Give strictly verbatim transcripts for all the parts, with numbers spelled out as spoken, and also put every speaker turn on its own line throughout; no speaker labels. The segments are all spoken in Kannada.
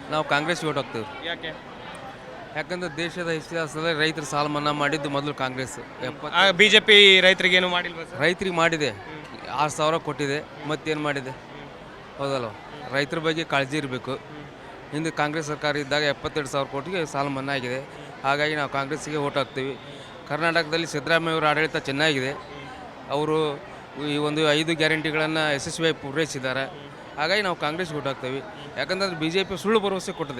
ನಾವು ಕಾಂಗ್ರೆಸ್ ಓಟ್ ಹಾಕ್ತೀವಿ.
ಯಾಕೆ?
ಯಾಕಂದ್ರೆ ದೇಶದ ಇತಿಹಾಸದಲ್ಲಿ ರೈತರ ಸಾಲ ಮನ್ನಾ ಮಾಡಿದ್ದು ಮೊದಲು ಕಾಂಗ್ರೆಸ್. ಎಪ್ಪತ್ತು
ಬಿಜೆಪಿ ರೈತರಿಗೆ ಏನು ಮಾಡಿಲ್ವಾ ಸರ್?
ರೈತರಿಗೆ ಮಾಡಿದೆ, ಆರು ಸಾವಿರ ಕೊಟ್ಟಿದೆ, ಮತ್ತೇನು ಮಾಡಿದೆ? ಹೌದಲ್ವ? ರೈತರ ಬಗ್ಗೆ ಕಾಳಜಿ ಇರಬೇಕು. ಹಿಂದೆ ಕಾಂಗ್ರೆಸ್ ಸರ್ಕಾರ ಇದ್ದಾಗ ಎಪ್ಪತ್ತೆರಡು ಸಾವಿರ ಕೋಟಿಗೆ ಸಾಲ ಮನ್ನಾ ಆಗಿದೆ. ಹಾಗಾಗಿ ನಾವು ಕಾಂಗ್ರೆಸ್ಸಿಗೆ ಓಟ್ ಹಾಕ್ತೀವಿ. ಕರ್ನಾಟಕದಲ್ಲಿ ಸಿದ್ದರಾಮಯ್ಯವರ ಆಡಳಿತ ಚೆನ್ನಾಗಿದೆ. ಅವರು ಈ ಒಂದು ಐದು ಗ್ಯಾರಂಟಿಗಳನ್ನು ಯಶಸ್ವಿಯಾಗಿ ಪೂರೈಸಿದ್ದಾರೆ. ಹಾಗಾಗಿ ನಾವು ಕಾಂಗ್ರೆಸ್ ಓಟ್ ಹಾಕ್ತೀವಿ. ಯಾಕಂತಂದ್ರೆ ಬಿ ಜೆ ಪಿ ಸುಳ್ಳು ಭರವಸೆ ಕೊಟ್ಟಿದೆ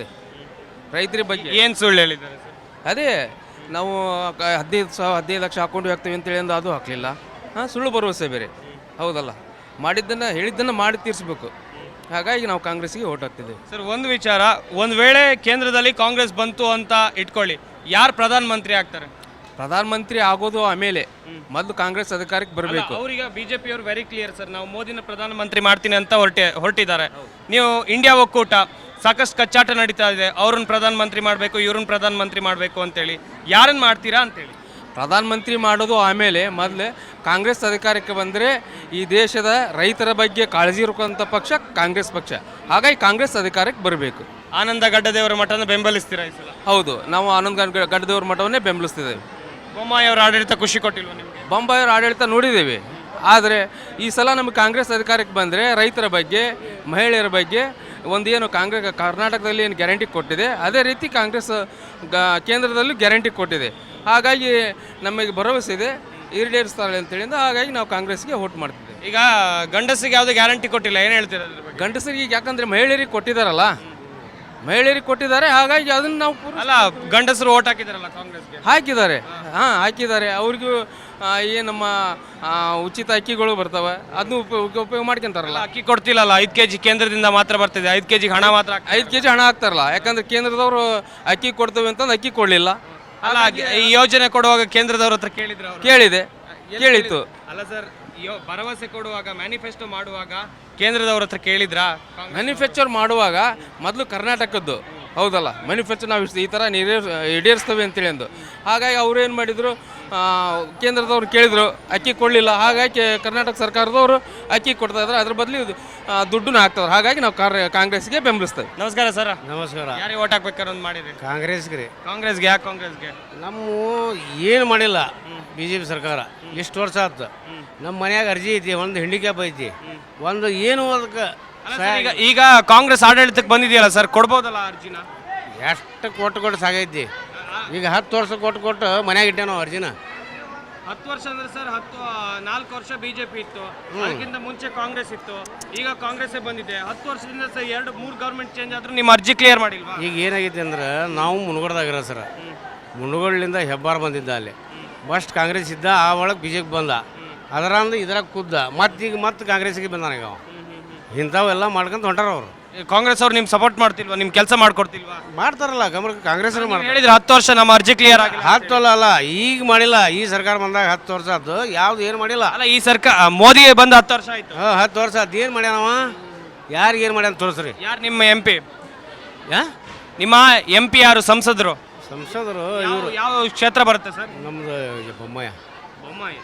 ರೈತರ ಬಗ್ಗೆ.
ಏನು ಸುಳ್ಳು ಹೇಳಿದ್ದಾರೆ ಸರ್?
ಅದೇ ನಾವು ಕ- ಹದಿನೈದು ಸಾವಿರ ಹದಿನೈದು ಲಕ್ಷ ಹಾಕೊಂಡು ಹಾಕ್ತೀವಿ ಅಂತೇಳಿ ಅಂದು ಅದು ಹಾಕಲಿಲ್ಲ. ಹಾಂ, ಸುಳ್ಳು ಭರವಸೆ ಬೇರೆ. ಹೌದಲ್ಲ? ಮಾಡಿದ್ದನ್ನು ಹೇಳಿದ್ದನ್ನು ಮಾಡಿ ತೀರಿಸ್ಬೇಕು. ಹಾಗಾಗಿ ನಾವು ಕಾಂಗ್ರೆಸ್ಸಿಗೆ ಓಟ್ ಹಾಕ್ತಿದ್ದೇವೆ.
ಸರ್, ಒಂದು ವಿಚಾರ, ಒಂದು ವೇಳೆ ಕೇಂದ್ರದಲ್ಲಿ ಕಾಂಗ್ರೆಸ್ ಬಂತು ಅಂತ ಇಟ್ಕೊಳ್ಳಿ, ಯಾರು ಪ್ರಧಾನಮಂತ್ರಿ ಆಗ್ತಾರೆ?
ಪ್ರಧಾನಮಂತ್ರಿ ಆಗೋದು ಆಮೇಲೆ, ಮೊದಲು ಕಾಂಗ್ರೆಸ್ ಅಧಿಕಾರಕ್ಕೆ ಬರಬೇಕು.
ಅವ್ರಿಗೆ ಬಿಜೆಪಿ ಅವರು ವೆರಿ ಕ್ಲಿಯರ್ ಸರ್, ನಾವು ಮೋದಿನ ಪ್ರಧಾನಮಂತ್ರಿ ಮಾಡ್ತೀನಿ ಅಂತ ಹೊರಟೆ ಹೊರಟಿದ್ದಾರೆ. ನೀವು ಇಂಡಿಯಾ ಒಕ್ಕೂಟ ಸಾಕಷ್ಟು ಕಚ್ಚಾಟ ನಡೀತಾ ಇದೆ, ಅವ್ರನ್ನ ಪ್ರಧಾನಮಂತ್ರಿ ಮಾಡಬೇಕು, ಇವ್ರನ್ನ ಪ್ರಧಾನಮಂತ್ರಿ ಮಾಡಬೇಕು ಅಂತೇಳಿ. ಯಾರನ್ನು ಮಾಡ್ತೀರಾ ಅಂತೇಳಿ?
ಪ್ರಧಾನಮಂತ್ರಿ ಮಾಡೋದು ಆಮೇಲೆ, ಮೊದಲು ಕಾಂಗ್ರೆಸ್ ಅಧಿಕಾರಕ್ಕೆ ಬಂದರೆ ಈ ದೇಶದ ರೈತರ ಬಗ್ಗೆ ಕಾಳಜಿ ಇರುವಂಥ ಪಕ್ಷ ಕಾಂಗ್ರೆಸ್ ಪಕ್ಷ. ಹಾಗಾಗಿ ಕಾಂಗ್ರೆಸ್ ಅಧಿಕಾರಕ್ಕೆ ಬರಬೇಕು.
ಆನಂದ ಗಡ್ಡದೇವರ ಮಠನ ಬೆಂಬಲಿಸ್ತೀರಾ ಈ ಸಲ?
ಹೌದು, ನಾವು ಆನಂದ್ ಗಡ್ ಗಡ್ಡದೇವ್ರ ಮಠವನ್ನೇ ಬೆಂಬಲಿಸ್ತಿದ್ದೇವೆ.
ಬೊಮ್ಮಾಯಿ ಅವರ ಆಡಳಿತ ಖುಷಿ ಕೊಟ್ಟಿಲ್ವ ನಿಮಗೆ?
ಬೊಂಬಾಯಿಯವರ ಆಡಳಿತ ನೋಡಿದ್ದೇವೆ. ಆದರೆ ಈ ಸಲ ನಮಗೆ ಕಾಂಗ್ರೆಸ್ ಅಧಿಕಾರಕ್ಕೆ ಬಂದರೆ ರೈತರ ಬಗ್ಗೆ, ಮಹಿಳೆಯರ ಬಗ್ಗೆ ಒಂದು ಏನು ಕಾಂಗ್ರೆಸ್ ಕರ್ನಾಟಕದಲ್ಲಿ ಏನು ಗ್ಯಾರಂಟಿ ಕೊಟ್ಟಿದೆ, ಅದೇ ರೀತಿ ಕಾಂಗ್ರೆಸ್ ಗ ಕೇಂದ್ರದಲ್ಲೂ ಗ್ಯಾರಂಟಿ ಕೊಟ್ಟಿದೆ. ಹಾಗಾಗಿ ನಮಗೆ ಭರವಸೆ ಇದೆ ಈಡೇರಿಸ್ತಾರೆ ಅಂತೇಳಿಂದ. ಹಾಗಾಗಿ ನಾವು ಕಾಂಗ್ರೆಸ್ಗೆ ವೋಟ್ ಮಾಡ್ತಿದ್ದೇವೆ.
ಈಗ ಗಂಡಸಿಗೆ ಯಾವುದೇ ಗ್ಯಾರಂಟಿ ಕೊಟ್ಟಿಲ್ಲ, ಏನು ಹೇಳ್ತೀರಾ ಅದ್ರ ಬಗ್ಗೆ?
ಗಂಡಸರಿಗೆ ಯಾಕಂದರೆ ಮಹಿಳೆಯರಿಗೆ ಕೊಟ್ಟಿದ್ದಾರಲ್ಲ, ಮಹಿಳೆಯರಿಗೆ ಕೊಟ್ಟಿದ್ದಾರೆ. ಹಾಗಾಗಿ ಅದನ್ನು ನಾವು ಪೂರ
ಅಲ್ಲ, ಗಂಡಸರು ಓಟ್ ಹಾಕಿದಾರಲ್ಲ ಕಾಂಗ್ರೆಸ್ಗೆ.
ಹಾಕಿದ್ದಾರೆ. ಹಾಂ, ಹಾಕಿದ್ದಾರೆ. ಅವ್ರಿಗೂ ಏನು ನಮ್ಮ ಆ, ಉಚಿತ ಅಕ್ಕಿಗಳು ಬರ್ತವೆ, ಅದನ್ನು ಉಪಯೋಗ ಉಪಯೋಗ ಮಾಡ್ಕೊಂತಾರಲ್ಲ.
ಅಕ್ಕಿ ಕೊಡ್ತಿಲ್ಲಲ್ಲ, ಐದು ಕೆ ಜಿ ಕೇಂದ್ರದಿಂದ ಮಾತ್ರ ಬರ್ತಿದೆ, ಐದು ಕೆ ಜಿಗೆ ಹಣ ಮಾತ್ರ ಹಾಕ್ತಾರೆ.
ಐದು ಕೆ ಜಿ ಹಣ ಹಾಕ್ತಾರಲ್ಲ, ಯಾಕಂದ್ರೆ ಕೇಂದ್ರದವರು ಅಕ್ಕಿ ಕೊಡ್ತೇವೆ ಅಂತಂದು ಅಕ್ಕಿ ಕೊಡಲಿಲ್ಲ.
ಅಲ್ಲ, ಈ ಯೋಜನೆ ಕೊಡುವಾಗ ಕೇಂದ್ರದವ್ರ ಹತ್ರ ಕೇಳಿದ್ರು ಅವರು?
ಕೇಳಿದೆ, ಕೇಳಿತ್ತು.
ಅಲ್ಲ ಸರ್, ಯೋ- ಭರವಸೆ ಕೊಡುವಾಗ, ಮ್ಯಾನಿಫೆಸ್ಟೋ ಮಾಡುವಾಗ ಕೇಂದ್ರದವ್ರ ಹತ್ರ ಕೇಳಿದ್ರಾ?
ಮ್ಯಾನುಫ್ಯಾಕ್ಚರ್ ಮಾಡುವಾಗ ಮೊದಲು ಕರ್ನಾಟಕದ್ದು, ಹೌದಲ್ಲ, ಮ್ಯಾನುಫ್ಯಾಕ್ಚರ್ ನಾವು ಇಷ್ಟು ಈ ಥರ ನೀರೇ ಈಡೇರಿಸ್ತೇವೆ ಅಂತೇಳಿ ಅಂದು. ಹಾಗಾಗಿ ಅವರು ಏನು ಮಾಡಿದರು, ಕೇಂದ್ರದವ್ರು ಕೇಳಿದರು, ಅಕ್ಕಿ ಕೊಡಲಿಲ್ಲ. ಹಾಗಾಗಿ ಕರ್ನಾಟಕ ಸರ್ಕಾರದವರು ಅಕ್ಕಿ ಕೊಡ್ತಾ ಇದ್ದಾರೆ, ಅದ್ರ ಬದಲು ದುಡ್ಡನ್ನ ಹಾಕ್ತಾರೆ. ಹಾಗಾಗಿ ನಾವು ಕಾರ್ ಕಾಂಗ್ರೆಸ್ಗೆ ಬೆಂಬಲಿಸ್ತೇವೆ.
ನಮಸ್ಕಾರ ಸರ್.
ನಮಸ್ಕಾರ.
ಯಾರಿಗೆ ಓಟ್ ಹಾಕ್ಬೇಕಾರೆ ಒಂದು ಮಾಡಿದ್ರಿ?
ಕಾಂಗ್ರೆಸ್ಗೆ ರೀ.
ಕಾಂಗ್ರೆಸ್ಗೆ. ಯಾಕೆ ಕಾಂಗ್ರೆಸ್ಗೆ?
ನಮ್ಮ ಏನು ಮಾಡಿಲ್ಲ ಬಿ ಜೆ ಪಿ ಸರ್ಕಾರ ಇಷ್ಟು ವರ್ಷ ಆಯ್ತು. ನಮ್ಮ ಮನ್ಯಾಗ ಅರ್ಜಿ ಐತಿ, ಒಂದು ಹೆಂಡಿಕ್ಯಾಪ್ ಐತಿ, ಒಂದು ಏನು ಅದಕ್ಕೆ
ಅಲ್ಲ ಸರ್, ಈಗ ಈಗ ಕಾಂಗ್ರೆಸ್ ಆಡಳಿತಕ್ಕೆ ಬಂದಿದೆಯಲ್ಲ ಸರ್, ಕೊಡ್ಬೋದಲ್ಲ ಅರ್ಜಿನ?
ಎಷ್ಟು ಕೊಟ್ಟು ಕೊಟ್ಟು ಸಾಗೈತಿ. ಈಗ ಹತ್ತು ವರ್ಷ ಕೊಟ್ಟು ಕೊಟ್ಟು ಮನ್ಯಾಗ ಇಟ್ಟೆ ನಾವು ಅರ್ಜಿನ.
ಹತ್ತು ವರ್ಷ ಅಂದ್ರೆ ಸರ್, ಹತ್ತು ನಾಲ್ಕು ವರ್ಷ ಬಿಜೆಪಿ ಇತ್ತು, ಅದಕ್ಕಿಂತ ಮುಂಚೆ ಕಾಂಗ್ರೆಸ್ ಇತ್ತು, ಈಗ ಕಾಂಗ್ರೆಸ್ ಬಂದಿದೆ. ಹತ್ತು ವರ್ಷದಿಂದ ಸರ್ ಎರಡು ಮೂರು ಗೌರ್ಮೆಂಟ್ ಚೇಂಜ್ ಆದ್ರೂ ನಿಮ್ಮ ಅರ್ಜಿ ಕ್ಲಿಯರ್ ಮಾಡಿಲ್ವಾ?
ಈಗ ಏನಾಗೈತಿ ಅಂದ್ರೆ ನಾವು ಮುನುಗೋಡ್ದಾಗಿರೋ ಸರ್, ಮುನುಗೋಡ್ಲಿಂದ ಹೆಬ್ಬಾರ್ ಬಂದಿದ್ದ ಅಲ್ಲಿ, ಫಸ್ಟ್ ಕಾಂಗ್ರೆಸ್ ಇದ್ದ, ಆ ಒಳಗೆ ಬಿ ಜೆ ಪಿ ಬಂದ, ಅದರಂದು ಇದ್ರಾಗ ಕುದ್ದ, ಮತ್ತು ಈಗ ಮತ್ತೆ ಕಾಂಗ್ರೆಸ್ಗೆ ಬಂದಾನ. ಈಗ ಅವ ಇಂಥವೆಲ್ಲ ಮಾಡ್ಕೊಂತ ಹೊಂಟಾರ ಅವರು.
ಕಾಂಗ್ರೆಸ್ ಅವ್ರು ನಿಮ್ಗೆ ಸಪೋರ್ಟ್ ಮಾಡ್ತಿಲ್ವಾ? ನಿಮ್ ಕೆಲಸ ಮಾಡ್ಕೊಡ್ತಿಲ್ವಾ?
ಮಾಡ್ತಾರಲ್ಲ, ಗಮನ ಕಾಂಗ್ರೆಸ್ ಮಾಡ್ತಾರೆ.
ಹೇಳಿದ್ರೆ ಹತ್ತು ವರ್ಷ ನಮ್ಮ ಅರ್ಜಿ ಕ್ಲಿಯರ್ ಆಗಿಲ್ಲ.
ಹತ್ತು ಅಲ್ಲ ಅಲ್ಲ ಈಗ ಮಾಡಿಲ್ಲ, ಈ ಸರ್ಕಾರ ಬಂದಾಗ ಹತ್ತು ವರ್ಷ ಆಯ್ತು, ಯಾವ್ದು ಏನು ಮಾಡಿಲ್ಲ.
ಅಲ್ಲ, ಈ ಸರ್ಕಾರ ಮೋದಿ ಬಂದು ಹತ್ತು ವರ್ಷ ಆಯ್ತು.
ಹಾಂ, ಹತ್ತು ವರ್ಷ ಆಯ್ತು. ಏನು ಮಾಡ್ಯಾನವ? ಯಾರಿಗೆ ಏನು ಮಾಡ್ಯಾನ ತೋರಿಸ್ರಿ.
ಯಾರು ನಿಮ್ಮ ಎಂ ಪಿ?
ಯಾ
ನಿಮ್ಮ ಎಂ ಪಿ ಯಾರು? ಸಂಸದರು?
ಸಂಸದರು
ಯಾವ-
ಇವರು
ಯಾವ ಕ್ಷೇತ್ರ ಬರುತ್ತೆ ಸರ್?
ನಮ್ದು ಬೊಮ್ಮಾಯ.
ಬೊಮ್ಮಾಯಿ.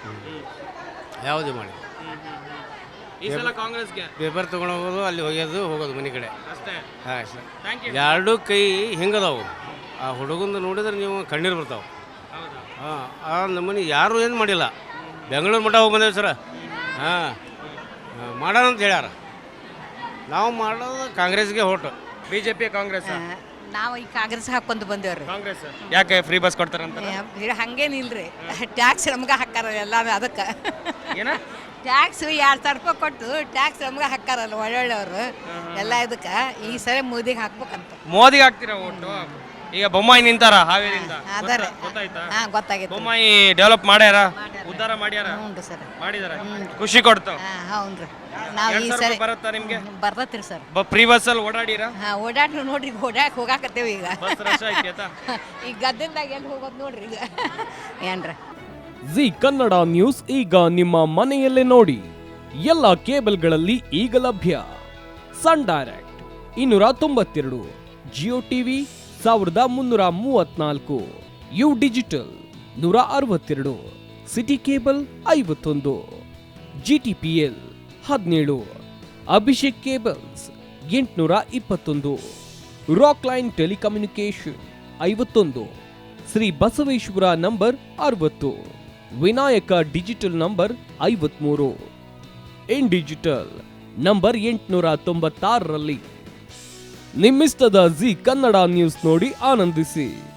ಯಾವುದು ಮಾಡಿ
ಈ ಸಲ ಕಾಂಗ್ರೆಸ್ಗೆ
ಪೇಪರ್ ತೊಗೊಂಡು ಹೋಗೋದು, ಅಲ್ಲಿ ಹೋಗೋದು ಹೋಗೋದು ಮನೆ ಕಡೆ
ಅಷ್ಟೇ.
ಹಾಂ ಸರ್.
Thank you.
ಎರಡೂ ಕೈ ಹಿಂಗದಾವು. ಆ ಹುಡುಗಂದು ನೋಡಿದ್ರೆ ನೀವು ಕಣ್ಣೀರು ಬರ್ತಾವೆ.
ಹೌದಾ?
ಹಾಂ, ಆ ನಮ್ಮನೆ ಯಾರೂ ಏನು ಮಾಡಿಲ್ಲ. ಬೆಂಗಳೂರು ಮಠ ಹೋಗಿ ಬಂದೇವೆ ಸರ. ಹಾಂ, ಮಾಡೋಣ ಅಂತ ಹೇಳ್ಯಾರ. ನಾವು ಮಾಡೋದು ಕಾಂಗ್ರೆಸ್ಗೆ ಹೊಟ್ಟು.
ಬಿಜೆಪಿ ಕಾಂಗ್ರೆಸ್?
ನಾವು ಈ ಕಾಂಗ್ರೆಸ್ ಹಾಕೊಂಡು ಬಂದೇವ್ರಿ.
ಕಾಂಗ್ರೆಸ್. ಯಾಕೆ ಫ್ರೀ ಬಸ್ ಕೊಡ್ತಾರಂತ?
ಹಂಗೇನಿಲ್ರಿ, ಟ್ಯಾಕ್ಸ್ ನಮ್ಗೆ ಹಾಕಾರ ಎಲ್ಲ. ಅದಕ್ಕೆ
ಏನ
ಟ್ಯಾಕ್ಸ್ ಎರಡು ಸಾವಿರ ರೂಪಾಯಿ ಕೊಟ್ಟು ಟ್ಯಾಕ್ಸ್ ನಮ್ಗೆ ಹಾಕಾರಲ್ಲ ಒಳ್ಳೊಳ್ಳೆಯವರು ಎಲ್ಲ. ಇದಕ್ಕೆ ಈ ಸರಿ ಮೋದಿಗೆ ಹಾಕ್ಬೇಕಂತ.
ಮೋದಿಗೆ ಹಾಕ್ತೀರಾ ಓಟು? ಈಗ ಬೊಮ್ಮಾಯಿ ನಿಂತಾರ ಹಾವೇರಿಯಿಂದ,
ಅದಾರೆ.
ಗೊತ್ತಾಯ್ತಾ?
ಹಾಂ, ಗೊತ್ತಾಗಿತ್ತು.
ಬೊಮ್ಮಾಯಿ ಡೆವಲಪ್ ಮಾಡ್ಯಾರ, ಉದ್ಧಾರ ಮಾಡ್ಯಾರ,
ಹ್ಞೂ ಸರ್,
ಮಾಡಿದಾರ, ಖುಷಿ ಕೊಡ್ತಾವ.
ಹಾಂ, ಹ್ಞೂ ರೀ. ನಾವು ಈ
ಎರಡ್ ಸಾವಿರ
ಸರಿ
ರೂಪಾಯಿ ಬರುತ್ತಾ ನಿಮ್ಗೆ?
ಬರ್ತೈತ್ರಿ ಸರ್.
ಫ್ರೀ ಬಸ್ ಅಲ್ಲಿ ಓಡಾಡಿರ?
ಹಾಂ, ಓಡಾಡ್ರಿ ನೋಡ್ರಿ, ಓಡಾಕ್ ಹೋಗಾಕತ್ತೇವೆ ಈಗ.
ಬಸ್ ರಶ್ ಐತಿ
ಈಗ ಗದ್ದೆದಾಗ ಎಲ್ಲಿ ಹೋಗೋದು ನೋಡ್ರಿ ಈಗ. ಏನ್ರಿ
ಜಿ ಕನ್ನಡ ನ್ಯೂಸ್ ಈಗ ನಿಮ್ಮ ಮನೆಯಲ್ಲೇ ನೋಡಿ. ಎಲ್ಲ ಕೇಬಲ್ಗಳಲ್ಲಿ ಈಗ ಲಭ್ಯ. ಸನ್ ಡೈರೆಕ್ಟ್ ಇನ್ನೂರ ತೊಂಬತ್ತೆರಡು, ಜಿಯೋ ಟಿವಿ ಸಾವಿರದ ಮುನ್ನೂರ ಮೂವತ್ನಾಲ್ಕು, ಯು ಡಿಜಿಟಲ್ ನೂರ ಅರವತ್ತೆರಡು, ಸಿಟಿ ಕೇಬಲ್ ಐವತ್ತೊಂದು, ಜಿ ಟಿ ಪಿ ಎಲ್ ಹದಿನೇಳು, ಅಭಿಷೇಕ್ ಕೇಬಲ್ಸ್ ಎಂಟುನೂರ ಇಪ್ಪತ್ತೊಂದು, ರಾಕ್ ಲೈನ್ ಟೆಲಿಕಮ್ಯುನಿಕೇಶನ್ ಐವತ್ತೊಂದು, ಶ್ರೀ ಬಸವೇಶ್ವರ ನಂಬರ್ ಅರವತ್ತು, ವಿನಾಯಕ ಡಿಜಿಟಲ್ ನಂಬರ್ ಐವತ್ಮೂರು, ಇನ್ ಡಿಜಿಟಲ್ ನಂಬರ್ ಎಂಟುನೂರ ತೊಂಬತ್ತಾರರಲ್ಲಿ. ನಿಮ್ಮಿಸ್ತದ ಜಿ ಕನ್ನಡ ನ್ಯೂಸ್ ನೋಡಿ ಆನಂದಿಸಿ.